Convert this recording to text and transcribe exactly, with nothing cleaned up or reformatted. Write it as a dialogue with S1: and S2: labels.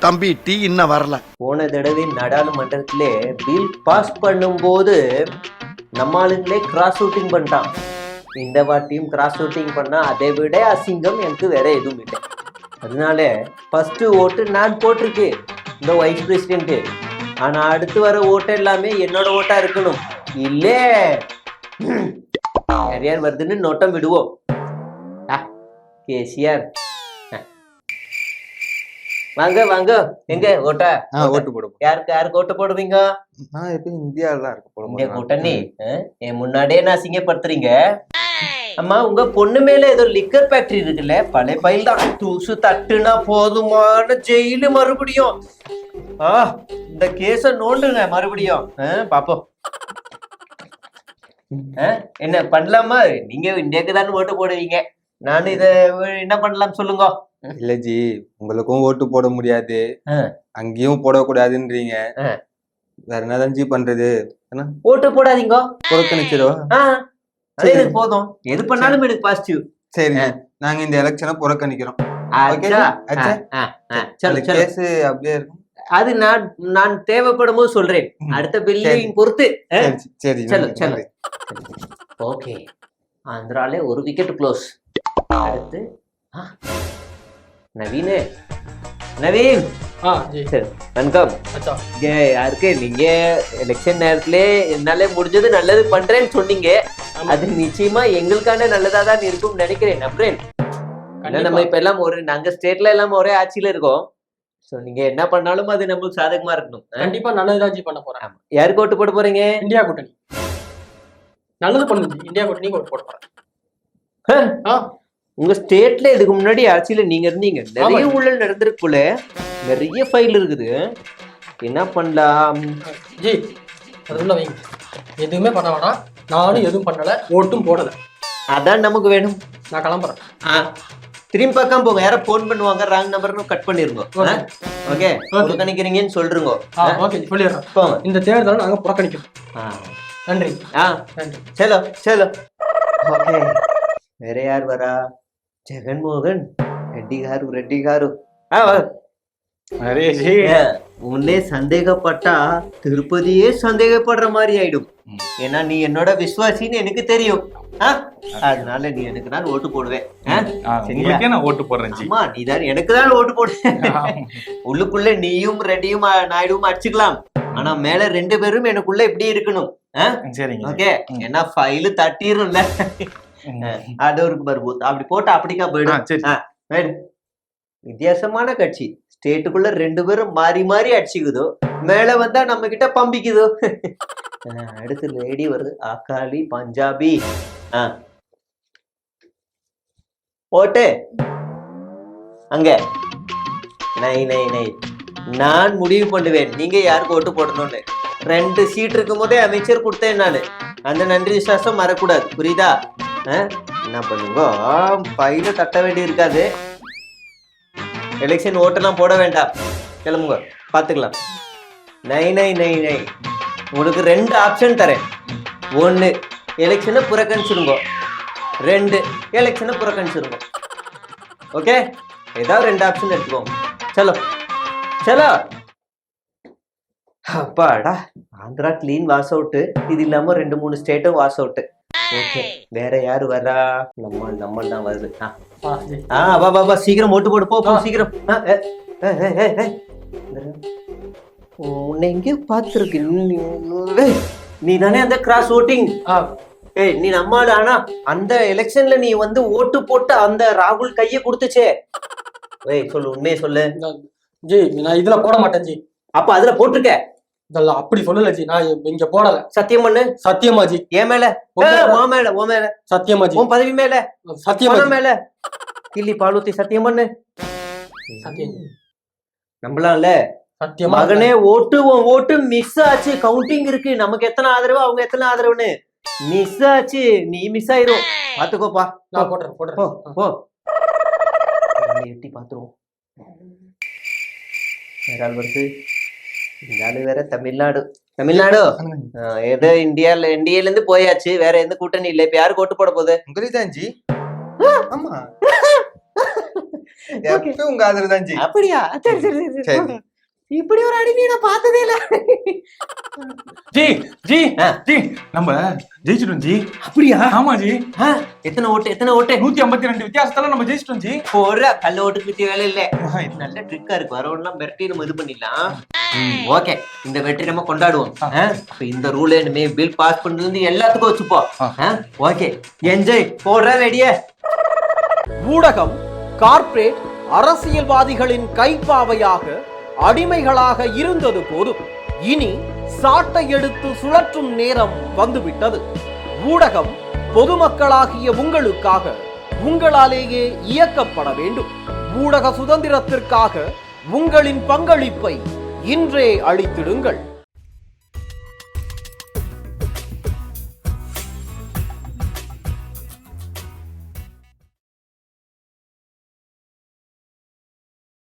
S1: தம்பி டீ இன்னும் வரல.
S2: போன தடவை நாடாளுமன்றத்திலே பில் பாஸ் பண்ணும்போது நம்ம ஆளுங்களே கிராஸ் ஷூட்டிங் பண்ணிட்டான். இந்த வாட்டியும் கிராஸ் ஷூட்டிங் பண்ணா அதை விட அசிங்கம் எனக்கு வேற எதுவும் இல்லை. அதனால ஃபர்ஸ்ட் ஓட்டு நான் போட்டிருக்கு இந்த வைஸ் பிரசிடென்ட். ஆனா அடுத்து வர ஓட்டு எல்லாமே என்னோட ஓட்டா இருக்கணும். இல்லே யார் யார் வருதுன்னு நோட்டம் விடுவோம். கேசிஆர் வாங்க வாங்க. எங்க ஓட்டா
S3: ஓட்டு போடுவோம்.
S2: யாருக்கு யாருக்கு ஓட்டு போடுவீங்க?
S3: நான் எப்பயும் இந்தியாவில தான் இருக்க போடுவோம்.
S2: இந்தியா கூட்டணி என் முன்னாடியே நான் அசிங்கப்படுத்துறீங்க. அம்மா உங்க பொண்ணு மேல ஏதோ லிக்கர் ஃபேக்டரி இருக்குல்ல, பழைய பயில் தான். தூசு தட்டுனா போதுமான ஜெயிலு மறுபடியும். ஆ இந்த கேஸ நோண்டுங்க மறுபடியும் பாப்போம். என்ன பண்ணலாமா? நீங்க இந்தியாவுக்கு தான் ஓட்டு போடுவீங்க, நான் இத என்ன பண்ணலாம் சொல்லுங்க.
S3: இல்ல ஜி, உங்களுக்கும் ஓட்டு போட முடியாது, அங்கேயும் போடக்கூடாதுன்றீங்க. வேற என்னதான் ஜி பண்றது?
S2: ஓட்டு போடாதீங்க,
S3: புறக்கணிச்சிருவா.
S2: எனக்கு போதும், எது பண்ணாலும் எனக்கு பாசிட்டிவ்.
S3: சரி, நாங்க இந்த எலெக்ஷனை புறக்கணிக்கிறோம். அப்படியே இருக்கும்.
S2: அது நான் நான் தேவைப்படும் போது சொல்றேன், அடுத்த பில்லையும் பொறுத்து.
S3: சரி சரி
S2: ஓகே. ஆந்திரால ஒரு விக்கெட் க்ளோஸ். அடுத்து நவீன். நவீன் வணக்கம். யாருக்கு நீங்க எலெக்ஷன் நேரத்துல என்னால முடிஞ்சது நல்லது பண்றேன்னு சொன்னீங்க. அது நிச்சயமா எங்களுக்கான நல்லதா தான் இருக்கும் நினைக்கிறேன். நம்புறேன். நம்ம இப்ப எல்லாம் ஒரு நாங்க ஸ்டேட்ல எல்லாம் ஒரே ஆட்சியில இருக்கோம். சோ நீங்க என்ன பண்ணாலும் அது நம்மளுக்கு சாதகமா இருக்கணும்.
S4: கண்டிப்பா நல்லதுதான் பண்ண போறேன்.
S2: யாருக்கு ஓட்டு போட போறீங்க?
S4: இந்தியா கூட்டணி நல்லது பண்ணுது. இந்தியா கூட்டணி ஓட்டு போட போறேன்.
S2: உங்க ஸ்டேட்ல இதுக்கு முன்னாடி ஆட்சியில நீங்க இருந்தீங்க, நிறைய ஊழல் நடந்திருக்குள்ள, நிறைய ஃபைல் இருக்குது. என்ன பண்ணலாம்
S4: ஜி? அதுல வைங்க, எதுவுமே பண்ண வேணாம். நானும் எதுவும் பண்ணல, ஓட்டும் போடல.
S2: அதான் நமக்கு வேணும்.
S4: நான் கிளம்புறேன்.
S2: திரும்பி பக்கம் போங்க. யாரும் போன் பண்ணுவாங்க, ராங் நம்பர்னு கட் பண்ணிருங்க. ஓகே, புறக்கணிக்கிறீங்கன்னு சொல்றீங்க.
S4: ஓகே சொல்லிடுறேன். இந்த தேர்தலை நாங்க புறக்கணிக்கிறோம். நன்றி.
S2: ஆ நன்றி. சலோ சலோ. ஓகே, வேற யார் வரா? జగన్మోహన్ రెడ్డి గారు రెడ్డి గారు உன்னே சந்தேகப்பட்டா திருப்பதியே சந்தேகப்படுற மாதிரி ஆயிடும். ஏன்னா நீ என்னோட விசுவாசின்னு எனக்கு தெரியும். அதனால நீ எனக்கு தான் ஓட்டு போடுவேன்.
S5: ஓட்டு போடுறேன்.
S2: நீ தான் எனக்கு தான் ஓட்டு போடுவேன். உள்ளுக்குள்ள நீயும் ரெட்டியும் நாயுடும் அடிச்சுக்கலாம், ஆனா மேல ரெண்டு பேரும் எனக்குள்ள இப்படி இருக்கணும். ஓகே, ஏன்னா ஃபைலு தட்டிரும்ல, அது ஒரு பர்பூத். அப்படி போட்டு அப்படிக்கா போயிடும். வித்தியாசமான கட்சி, ஸ்டேட்டுக்குள்ள ரெண்டு பேரும் மாறி மாறி அடிச்சுக்குதோ, மேல வந்தா நம்ம கிட்ட பம்பிக்குதோ. அடுத்து லேடி வருது, அக்காலி பஞ்சாபி. ஓட்டு அங்க நை நை நை. நான் முடிவு பண்ணுவேன் நீங்க யாருக்கு ஓட்டு போடணும்னு. ரெண்டு சீட் இருக்கும் போதே அமைச்சர் கொடுத்தேன் நானு. அந்த நன்றி விசுவாசம் மறக்கூடாது, புரியுதா? என்ன பண்ணுங்க, பையில தட்ட வேண்டி இருக்காது. எலெக்ஷன் ஓட்டெல்லாம் போட வேண்டாம், கிளம்புங்க, பாத்துக்கலாம். நை நை நை நை. உங்களுக்கு ரெண்டு ஆப்ஷன் தரேன். ஒன்னு, எலெக்ஷனை புறக்கணிச்சிருங்க. ரெண்டு, எலெக்ஷனை புறக்கணிச்சிருங்க. ஓகே, ஏதாவது ரெண்டு ஆப்ஷன் எடுத்துக்கோங்க. சலோ சலோ. அப்பாடா, ஆந்திரா கிளீன் வாஷ் அவுட். இது இல்லாம ரெண்டு மூணு ஸ்டேட்டும் வாஷ் அவுட். ஓகே, வேற யாரு வரா? நம்ம நம்ம தான் வருது. ஆ வா வா வா, சீக்கிரம் ஓட்டு போடு, போ சீக்கிரம். உன்னை எங்கேயோ பார்த்துருக்கு. நீ தானே அந்த கிராஸ் ஓட்டிங்? ஏய், நீ நம்மால. ஆனா அந்த எலெக்ஷன்ல நீ வந்து ஓட்டு போட்டு அந்த ராகுல் கைய கொடுத்துச்சே. ஏய் சொல்லு, உண்மையை சொல்லு.
S4: ஜி நான் இதுல போட மாட்டேன் ஜி.
S2: அப்ப அதுல போட்டிருக்க?
S4: அப்படி சொல்லல ஜி, நான் இங்க போடல.
S2: சத்தியம் பண்ணு.
S4: சத்தியமா ஜி?
S2: ஏன் மேல? உன் மேல, உன் மேல
S4: சத்தியமா ஜி?
S2: உன் பதவி மேல
S4: சத்தியமா
S2: மேல. கிள்ளி பாலூத்தி சத்தியம் பண்ணு.
S4: சத்தியம்
S2: நம்பலாம்ல?
S4: சத்தியமா
S2: மகனே, ஓட்டு உன் ஓட்டு மிஸ் ஆச்சு. கவுண்டிங் இருக்கு, நமக்கு எத்தனை ஆதரவு அவங்க எத்தனை ஆதரவுன்னு மிஸ் ஆச்சு. நீ மிஸ் ஆயிரும், பாத்துக்கோப்பா.
S4: நான் போடுறேன் போடுறேன்
S2: போ. எட்டி பாத்துருவோம். வேற ஆள் வருது. இந்த ஆளு வேற தமிழ்நாடு. தமிழ்நாடு ஏதோ இந்தியால இந்தியால இருந்து போயாச்சு. வேற எந்த கூட்டணி இல்ல. இப்ப யாருக்கு ஓட்டு போட போகுது?
S3: உங்களுக்குதான் ஜி. ஆமா, எப்பயும் உங்க ஆதரவு தான் ஜி.
S2: அப்படியா? சரி சரி சரி
S3: சரி.
S2: சரி. இப்படி ஒரு அடிமை நான் பார்த்ததே இல்ல.
S5: ஜி ஜி
S2: ஆ.
S5: ஜி நம்ம ஜெயிச்சிட்டோம் ஜி.
S2: அப்படியா?
S5: ஆமா ஜி.
S2: ஆ, எத்தனை ஓட்டு எத்தனை ஓட்டு?
S5: நூத்தி ஐம்பத்தி ரெண்டு வித்தியாசத்துல நம்ம ஜெயிச்சிட்டோம் ஜி.
S2: போற கல்ல ஓட்டு கிட்ட வேலை இல்ல. நல்ல ட்ரிக்கா இருக்கு. வரவெல்லாம் மிரட்டி நம்ம இது பண்ணிடலாம். ஓகே, இந்த வெற்றி நம்ம கொண்டாடுவோம். ஆ, அப்ப இந்த ரூல் இனிமே பில் பாஸ் பண்ணதுல இருந்து எல்லாத்துக்கும் வச்சுப்போம். Okay, enjoy. போடுற ரெடியே.
S1: ஊடகம் கார்ப்பரேட் அரசியல்வாதிகளின் கைப்பாவையாக அடிமைகளாக இருந்தது போதும். இனி சாட்டை எடுத்து சுழற்றும் நேரம் வந்துவிட்டது. ஊடகம் பொதுமக்களாகிய உங்களுக்காக உங்களாலேயே இயக்கப்பட வேண்டும். ஊடக சுதந்திரத்திற்காக உங்களின் பங்களிப்பை இன்றே அளித்திடுங்கள்.